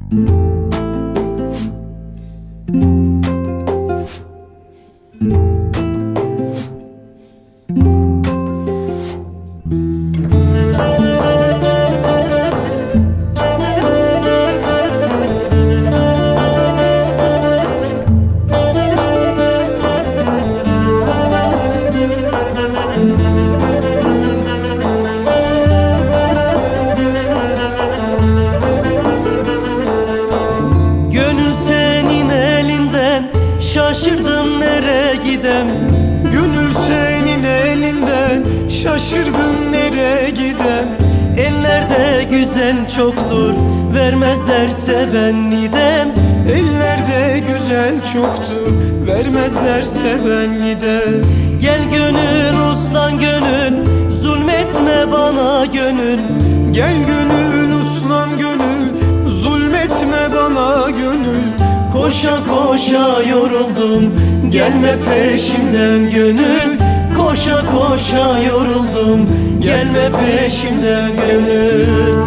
Şaşırdım nereye gidem. Gönül senin elinden, şaşırdım nereye gidem. Ellerde güzel çoktur, vermezlerse ben gidem. Ellerde güzel çoktur, vermezlerse ben gidem. Gel gönül uslan gönül, zulmetme bana gönül. Gel gönül uslan gönül, zulmetme bana gönül. Koşa koşa yoruldum, gelme peşimden gönül. Koşa koşa yoruldum, gelme peşimden gönül.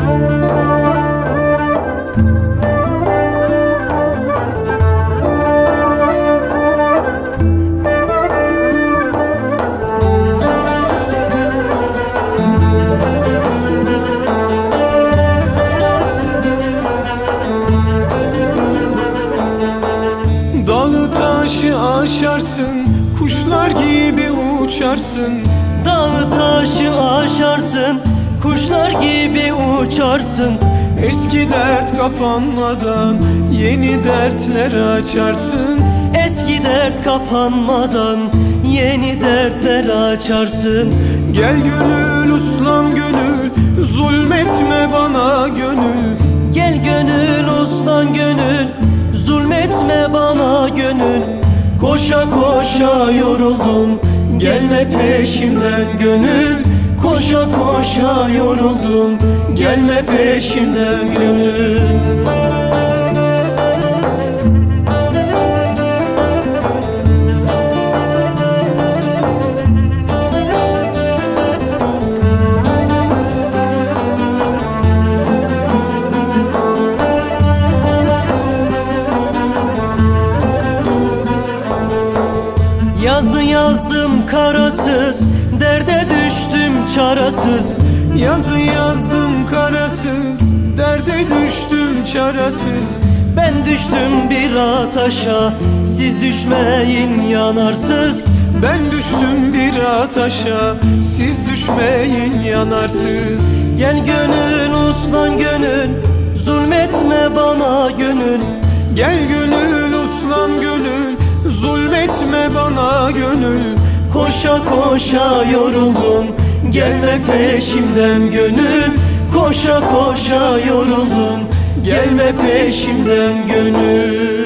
Dağı taşı aşarsın, kuşlar gibi uçarsın. Dağı taşı aşarsın, kuşlar gibi uçarsın. Eski dert kapanmadan yeni dertler açarsın. Eski dert kapanmadan yeni dertler açarsın. Gel gönül uslan gönül, zulmetme bana gönül. Gel gönül uslan gönül, zulmetme bana gönül. Koşa koşa yoruldum, gelme peşimden gönül. Koşa koşa yoruldum, gelme peşimden gönül. Yazı yazdım karasız, derde düştüm çarasız. Yazı yazdım karasız, derde düştüm çarasız. Ben düştüm bir ataşa, siz düşmeyin yanarsız. Ben düştüm bir ataşa, siz düşmeyin yanarsız. Gel gönül uslan gönül, zulmetme bana gönül. Gel gönül uslan gönül, zulmetme bana gönül. Koşa koşa yoruldum, gelme peşimden gönül. Koşa koşa yoruldum, gelme peşimden gönül.